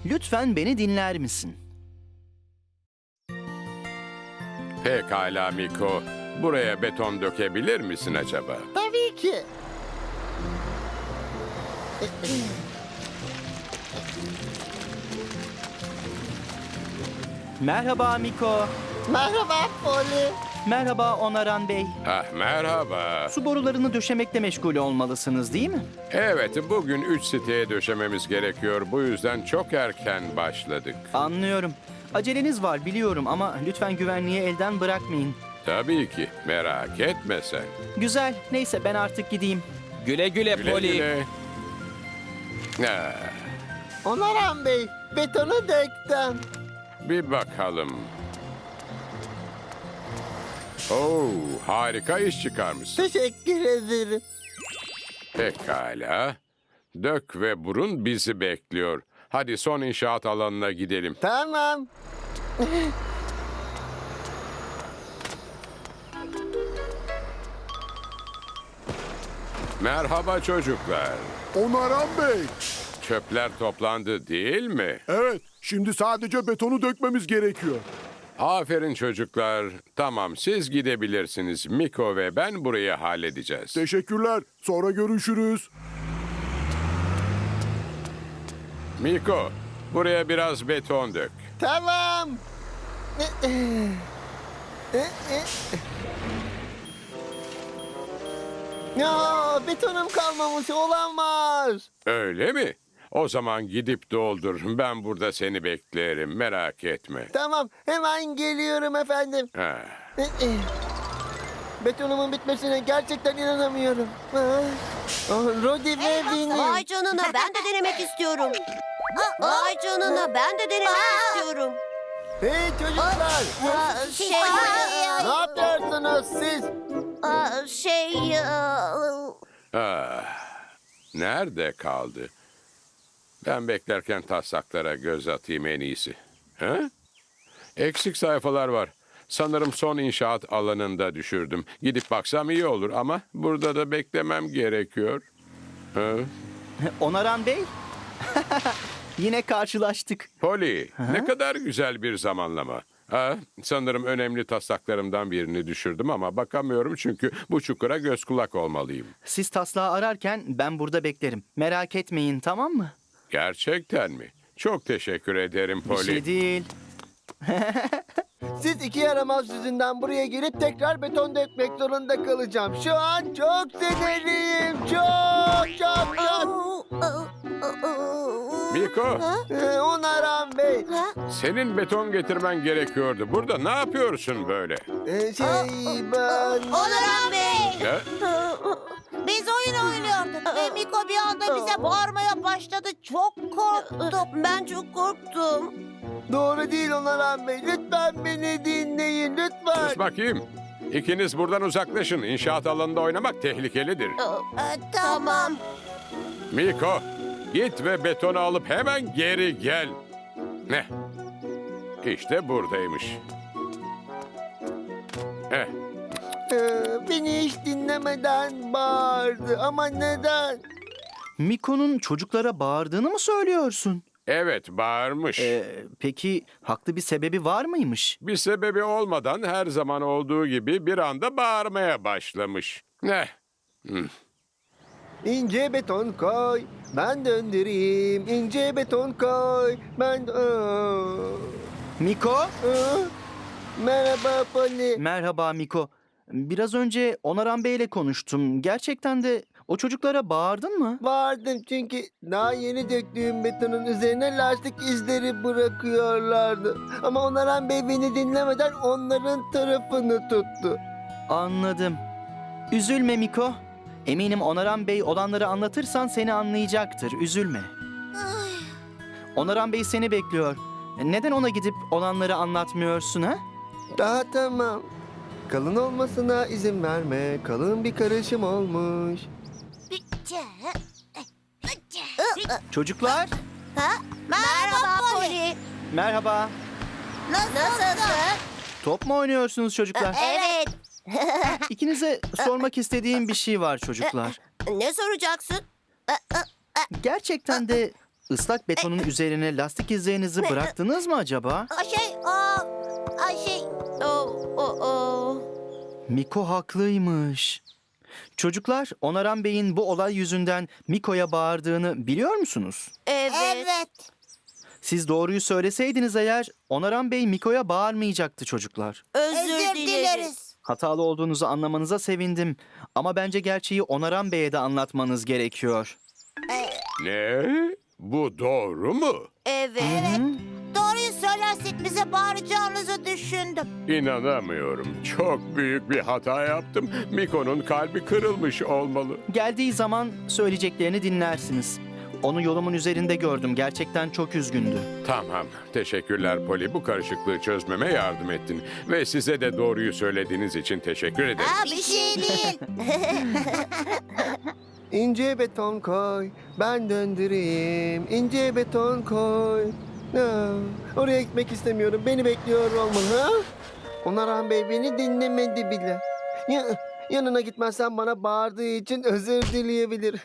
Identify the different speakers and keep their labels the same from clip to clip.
Speaker 1: Lütfen beni dinler misin?
Speaker 2: Pekala Miko. Buraya beton dökebilir misin acaba?
Speaker 3: Tabii ki.
Speaker 1: Merhaba Miko.
Speaker 3: Merhaba Poli.
Speaker 1: Merhaba Onaran Bey.
Speaker 2: Ah merhaba.
Speaker 1: Su borularını döşemekle meşgul olmalısınız değil mi?
Speaker 2: Evet, bugün 3 siteye döşememiz gerekiyor. Bu yüzden çok erken başladık.
Speaker 1: Anlıyorum. Aceleniz var biliyorum ama lütfen güvenliği elden bırakmayın.
Speaker 2: Tabii ki. Merak etme sen.
Speaker 1: Güzel. Neyse ben artık gideyim.
Speaker 4: Güle güle,
Speaker 2: Güle
Speaker 4: Poli.
Speaker 2: güle. Ah,
Speaker 3: Onaran Bey, betonu döktüm.
Speaker 2: bir bakalım. Oo, harika iş çıkarmışsın.
Speaker 3: Teşekkür ederim.
Speaker 2: Pekala. Dök ve burun bizi bekliyor. Hadi son inşaat alanına gidelim.
Speaker 3: Tamam.
Speaker 2: Merhaba çocuklar.
Speaker 5: Onaran Bey.
Speaker 2: Çöpler toplandı değil mi?
Speaker 5: Evet, şimdi sadece betonu dökmemiz gerekiyor.
Speaker 2: Aferin çocuklar. Tamam, siz gidebilirsiniz. Miko ve ben burayı halledeceğiz.
Speaker 5: Teşekkürler. Sonra görüşürüz.
Speaker 2: Miko, buraya biraz beton dök.
Speaker 3: Tamam. Ya betonum kalmamış olamaz.
Speaker 2: Öyle mi? O zaman gidip doldur. Ben burada seni beklerim. Merak etme.
Speaker 3: Tamam hemen geliyorum efendim.
Speaker 2: Ha.
Speaker 3: Betonumun bitmesine gerçekten inanamıyorum. Rodi ve Vinny.
Speaker 6: Vay canına ben de denemek istiyorum. Vay canına ben de denemek istiyorum.
Speaker 3: Hey çocuklar. Ne yapıyorsunuz siz?
Speaker 2: Ah, nerede kaldı? Ben beklerken taslaklara göz atayım en iyisi. Ha? Eksik sayfalar var. Sanırım son inşaat alanında düşürdüm. Gidip baksam iyi olur ama burada da beklemem gerekiyor. Ha?
Speaker 1: Onaran Bey? Yine karşılaştık.
Speaker 2: Poli, ne kadar güzel bir zamanlama. Ha, sanırım önemli taslaklarımdan birini düşürdüm ama bakamıyorum çünkü bu çukura göz kulak olmalıyım.
Speaker 1: Siz taslağı ararken ben burada beklerim. Merak etmeyin tamam mı?
Speaker 2: Gerçekten mi? Çok teşekkür ederim
Speaker 1: Bir
Speaker 2: Poli.
Speaker 1: şey değil.
Speaker 3: Siz iki yaramaz yüzünden buraya gelip tekrar beton dökmek zorunda kalacağım. Şu an çok sinirliyim. Çok.
Speaker 2: Miko,
Speaker 3: Onaran Bey.
Speaker 2: senin beton getirmen gerekiyordu. Burada ne yapıyorsun böyle?
Speaker 3: Ben...
Speaker 6: Onaran Bey.
Speaker 2: Ya,
Speaker 6: Biz oyun oynuyorduk ve Miko bir anda bize bağırmaya başladı. Çok korktum. Ben çok korktum.
Speaker 3: Doğru değil Onaran Bey. Lütfen beni dinleyin. Lütfen.
Speaker 2: sus bakayım. İkiniz buradan uzaklaşın. İnşaat alanında oynamak tehlikelidir.
Speaker 6: Tamam.
Speaker 2: Miko, git ve betonu alıp hemen geri gel. Ne? İşte buradaymış. Heh,
Speaker 3: Beni hiç dinlemeden bağırdı. Ama neden?
Speaker 1: Miko'nun çocuklara bağırdığını mı söylüyorsun?
Speaker 2: evet, bağırmış.
Speaker 1: Peki haklı bir sebebi var mıymış?
Speaker 2: Bir sebebi olmadan her zaman olduğu gibi bir anda bağırmaya başlamış. Ne?
Speaker 3: İnce beton koy. Ben döndüreyim. İnce beton koy. Ben...
Speaker 1: Miko?
Speaker 3: Merhaba Poli.
Speaker 1: Merhaba Miko. Biraz önce Onaran Bey'le konuştum. Gerçekten de o çocuklara bağırdın mı?
Speaker 3: Bağırdım çünkü daha yeni döktüğüm betonun üzerine lastik izleri bırakıyorlardı. Ama Onaran Bey beni dinlemeden onların tarafını tuttu.
Speaker 1: Anladım. Üzülme Miko. Eminim Onaran Bey olanları anlatırsan seni anlayacaktır. Üzülme. Onaran Bey seni bekliyor. Neden ona gidip olanları anlatmıyorsun ha?
Speaker 3: Daha tamam. Kalın olmasına izin verme. Kalın bir karışım olmuş.
Speaker 1: Çocuklar,
Speaker 6: Merhaba Poli.
Speaker 1: merhaba.
Speaker 6: Nasılsın?
Speaker 1: Top mu oynuyorsunuz çocuklar?
Speaker 6: Evet.
Speaker 1: İkinize sormak istediğim bir şey var çocuklar.
Speaker 6: Ne soracaksın?
Speaker 1: Gerçekten de Islak betonun üzerine lastik izlerinizi bıraktınız mı acaba? Miko haklıymış. Çocuklar, Onaran Bey'in bu olay yüzünden Miko'ya bağırdığını biliyor musunuz?
Speaker 6: Evet.
Speaker 1: Siz doğruyu söyleseydiniz eğer, Onaran Bey Miko'ya bağırmayacaktı çocuklar.
Speaker 6: Özür dileriz.
Speaker 1: Hatalı olduğunuzu anlamanıza sevindim. Ama bence gerçeği Onaran Bey'e de anlatmanız gerekiyor.
Speaker 2: Ne? Bu doğru mu?
Speaker 6: Evet. Doğruyu söylersek bize bağıracağınızı düşündüm.
Speaker 2: İnanamıyorum. Çok büyük bir hata yaptım. Miko'nun kalbi kırılmış olmalı.
Speaker 1: Geldiği zaman söyleyeceklerini dinlersiniz. Onu yolumun üzerinde gördüm. Gerçekten çok üzgündü.
Speaker 2: Tamam. Teşekkürler Poli. Bu karışıklığı çözmeme yardım ettin. Ve size de doğruyu söylediğiniz için teşekkür ederim.
Speaker 6: Bir şey değil.
Speaker 3: İnce beton koy, ben döndüreyim. İnce beton koy. Oraya gitmek istemiyorum. Beni bekliyor olmalı. Ha? Onaran Bey beni dinlemedi bile. Yanına gitmezsem bana bağırdığı için özür dileyebilir.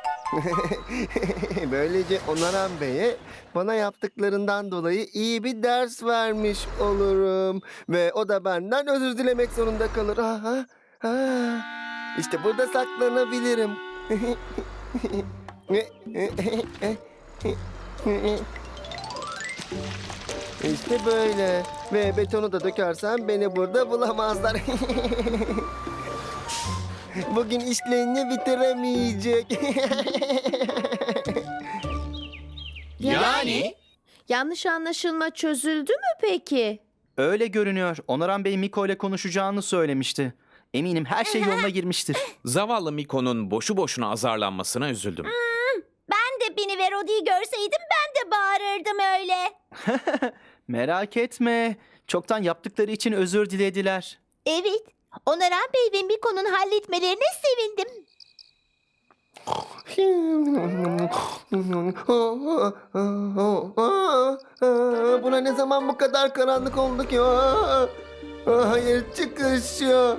Speaker 3: Böylece Onaran Bey'e bana yaptıklarından dolayı iyi bir ders vermiş olurum. Ve o da benden özür dilemek zorunda kalır. İşte burada saklanabilirim. İşte böyle. Ve betonu da dökersem beni burada bulamazlar. Bugün işlerini bitiremeyecek.
Speaker 1: Yani?
Speaker 4: Yanlış anlaşılma çözüldü mü peki?
Speaker 1: Öyle görünüyor. Onaran Bey Miko ile konuşacağını söylemişti. Eminim her şey yoluna girmiştir.
Speaker 7: Zavallı Miko'nun boşu boşuna azarlanmasına üzüldüm.
Speaker 6: Ben de Bini ve Rodi'yi görseydim ben de bağırırdım öyle.
Speaker 1: Merak etme. Çoktan yaptıkları için özür dilediler.
Speaker 6: Evet. Onaran Bey ve Miko'nun halletmelerine sevindim.
Speaker 3: Buna ne zaman bu kadar karanlık oldu ki? Hayır, çıkış yok.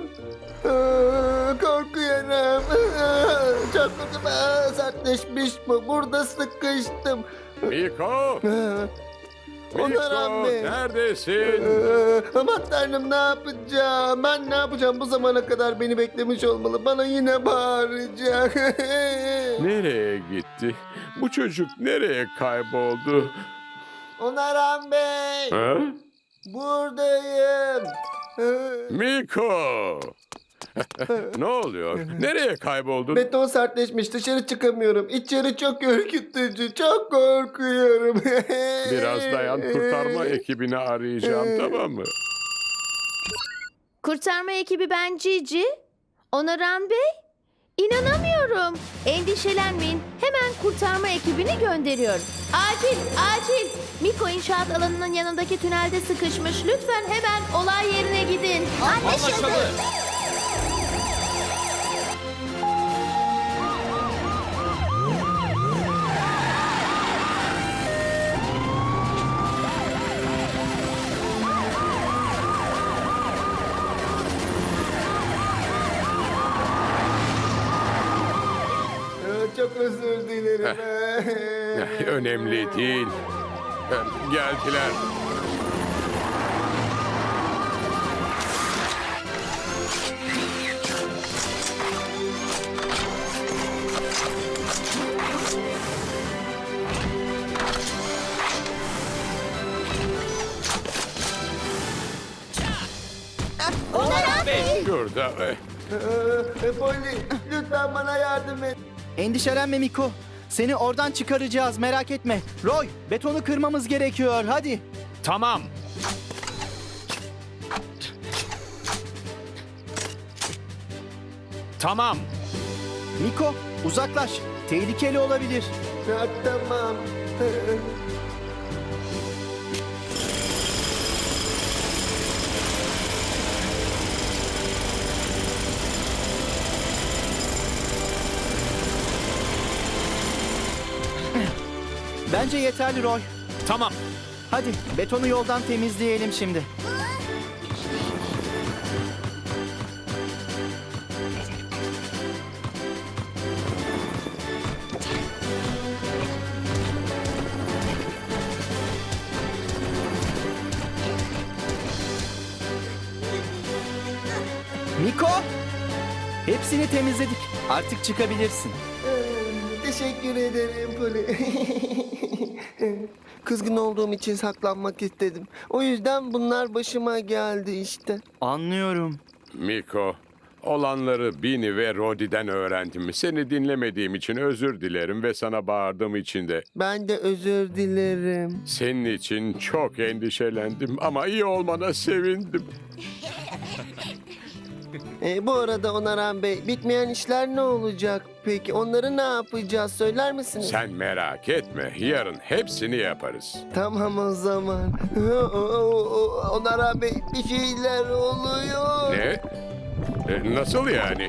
Speaker 3: Korkuyorum. Çok kötü. Sertleşmiş bu. Burada sıkıştım.
Speaker 2: Miko!
Speaker 3: Onaran
Speaker 2: Miko
Speaker 3: Bey.
Speaker 2: neredesin?
Speaker 3: Aman tanrım, ne yapacağım? Ben ne yapacağım? Bu zamana kadar beni beklemiş olmalı. Bana yine bağıracak.
Speaker 2: Nereye gitti? Bu çocuk nereye kayboldu?
Speaker 3: Onaran Bey.
Speaker 2: Ha?
Speaker 3: Buradayım.
Speaker 2: Miko! Ne oluyor? Nereye kayboldun?
Speaker 3: Beton sertleşmiş, dışarı çıkamıyorum. İçeri çok ürkütücü, çok korkuyorum.
Speaker 2: Biraz dayan, kurtarma ekibini arayacağım, tamam mı?
Speaker 4: Kurtarma ekibi ben Cici. Onaran Bey? İnanamıyorum. Endişelenmeyin. Hemen kurtarma ekibini gönderiyorum. Acil, acil. Miko inşaat alanının yanındaki tünelde sıkışmış. Lütfen hemen olay yerine gidin.
Speaker 6: Anlaşıldı.
Speaker 3: Çok özür dilerim.
Speaker 2: Önemli değil. Geldiler.
Speaker 6: Onaran Bey.
Speaker 2: Şurada.
Speaker 3: Polly, lütfen bana yardım et.
Speaker 1: Endişelenme Miko. Seni oradan çıkaracağız, merak etme. Roy, betonu kırmamız gerekiyor. Hadi.
Speaker 7: Tamam. Tamam.
Speaker 1: Miko, uzaklaş. Tehlikeli olabilir.
Speaker 3: Tamam.
Speaker 1: Bence yeterli Roy.
Speaker 7: Tamam.
Speaker 1: Hadi betonu yoldan temizleyelim şimdi. Hepsini temizledik. Artık çıkabilirsin.
Speaker 3: Teşekkür ederim Poli. Kızgın olduğum için saklanmak istedim. O yüzden bunlar başıma geldi işte.
Speaker 1: Anlıyorum.
Speaker 2: Miko, olanları Bini ve Rodi'den öğrendim. Seni dinlemediğim için özür dilerim ve sana bağırdığım için de.
Speaker 3: Ben de özür dilerim.
Speaker 2: Senin için çok endişelendim ama iyi olmana sevindim.
Speaker 3: Bu arada Onaran Bey, bitmeyen işler ne olacak peki? Onları ne yapacağız söyler misiniz?
Speaker 2: Sen merak etme, yarın hepsini yaparız.
Speaker 3: Tamam o zaman. Onaran Bey, bir şeyler oluyor.
Speaker 2: Ne? Nasıl yani?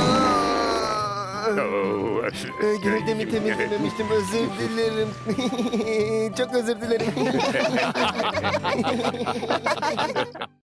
Speaker 2: Oo.
Speaker 3: Gövdemi temizlememiştim, özür dilerim. Çok özür dilerim.